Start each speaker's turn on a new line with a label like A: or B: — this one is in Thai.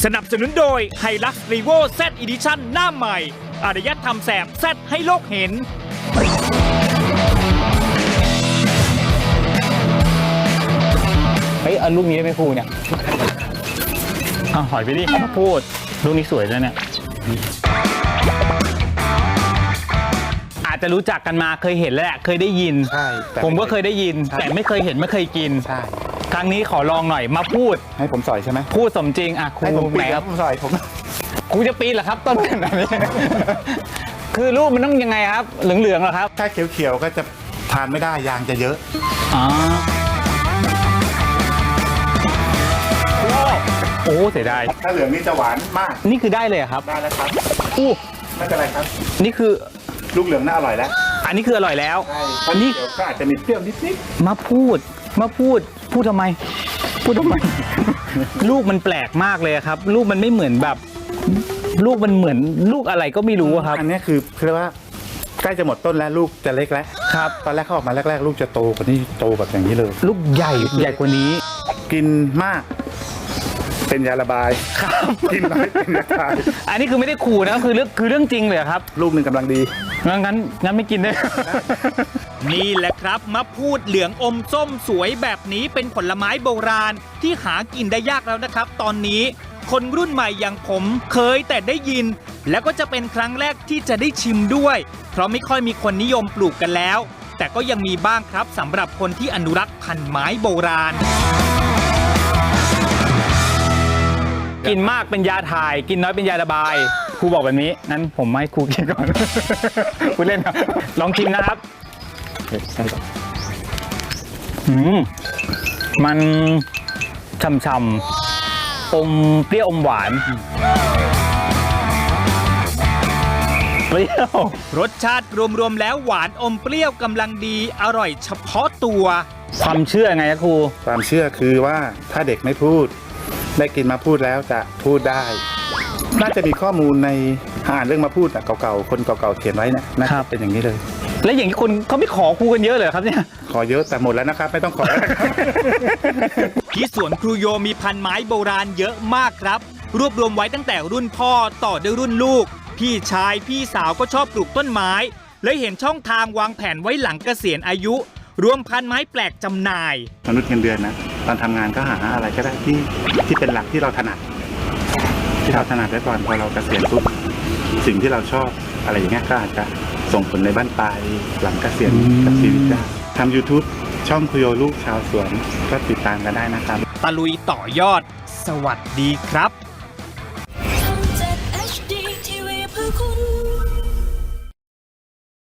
A: สนับสนุนโดย Hilux Revo Z Edition หน้าใหม่อารยธรรมแสบแซดให้โลกเห็น
B: เฮ้ยเอาลูกนี้ได้ไหมครูเนี่ยหอยไปดิมาพูดลูกนี้สวยด้วยเนี่ยอาจจะรู้จักกันมาเคยเห็นแล้วแหละเคยได้ยิน
C: ใช่
B: ผมก็เคยได้ยินแต่ไม่เคยเห็นไม่เคยกิน
C: ใช่
B: ครั้งนี้ขอลองหน่อยมาพูด
C: ให้ผมสอยใช่ไหม
B: พูดสมจริงอ่ะครู
C: ให้ผมปีน
B: ค
C: ค
B: รั
C: รั
B: บบ
C: ผมสอยผม
B: ครูจะปีนเหรอครับต้นขนาดนี้ คือลูกมันต้องยังไงครับเหลืองๆเหรอครับ
C: ถ้าเขียวๆก็จะทานไม่ได้ยางจะเยอะ
B: โอ้เสียดาย
C: ถ้าเหลืองนี่จะหวานมาก
B: นี่คือได้เลยครับ
C: ได้แล้วครับ
B: อู้
C: ไม่เป็นไรครับ
B: นี่คือ
C: ลูกเหลืองน่าอร่อยแล้ว
B: อันนี้คืออร่อยแล้ว
C: อันนี้เดี๋ยวก็อาจจะมีเปรี้ยวนิด
B: ๆมาพูดทำไม ลูกมันแปลกมากเลยครับลูกมันไม่เหมือนแบบลูกมันเหมือนลูกอะไรก็ไม่รู้ครับ
C: อันนี้คือเรียกว่าใกล้จะหมดต้นแล้วลูกจะเล็กแล้ว
B: ครับ
C: ตอนแรกเขาออกมาแรกๆลูกจะโตกว่านี้โตแบบอย่างนี้เลย
B: ลูกใหญ่กว่านี้
C: กินมากเป็นยาระบาย
B: ครับ
C: กินน้อยเป็นยาคาย
B: อันนี้คือไม่ได้ขู่นะคือเรื่องจริงเลยครับ
C: ลูกหนึ่งกำลังดี
B: งั้นไม่กินได้
A: นี่แหละครับมะพูดเหลืองอมส้มสวยแบบนี้เป็นผลไม้โบราณที่หากินได้ยากแล้วนะครับตอนนี้คนรุ่นใหม่อย่างผมเคยแต่ได้ยินแล้วก็จะเป็นครั้งแรกที่จะได้ชิมด้วยเพราะไม่ค่อยมีคนนิยมปลูกกันแล้วแต่ก็ยังมีบ้างครับสำหรับคนที่อนุรักษ์พันธุ์ไม้โบราณ
B: กินมากเป็นยาถ่ายกินน้อยเป็นยาระบายครูบอกแบบนี้งั้นผมให้ครูกินก่อน ครูเล่นครับลองชิมนะครับมันฉ่ำๆอมเปรี้ยวอมหวานเปรี้ยว
A: รสชาติรวมๆแล้วหวานอมเปรี้ยวกำลังดีอร่อยเฉพาะตัว
B: ความเชื่อไงครับครู
C: ความเชื่อคือว่าถ้าเด็กไม่พูดได้กินมาพูดแล้วจะพูดได้น่าจะมีข้อมูลในอ่านเรื่องมาพูดเก่าๆคนเก่าๆเขียนไว้นะนะครับเป็นอย่างนี้เลย
B: และอย่างที่คนเขาไม่ขอครูกันเยอะเลยครับเนี่ย
C: ขอเยอะแต่หมดแล้วนะครับไม่ต้องขอแล้วครับ
A: ที่สวนครูโยมีพันไม้โบราณเยอะมากครับรวบรวมไว้ตั้งแต่รุ่นพ่อต่อด้วยรุ่นลูกพี่ชายพี่สาวก็ชอบปลูกต้นไม้เลยเห็นช่องทางวางแผนไว้หลังเกษียณอายุรวมพันไม้แปลกจำหน่าย
C: มนุษย์เงินเดือนนะตอนทำงานก็หาอะไรก็ได้ที่เป็นหลักที่เราถนัดไว้ก่อนพอเราเกษียณปุ๊บสิ่งที่เราชอบอะไรอย่างเงี้ยก็อาจจะส่งผลในบ้านปลายหลังเกษียณกับชีวิตได้ทำ YouTube ช่องคุโยลูกชาวสวนก็ติดตามกันได้นะครับ
A: ตะลุยต่อยอดสวัสดีครับ
D: ช่อง 7 HD TV เพื่อคุณ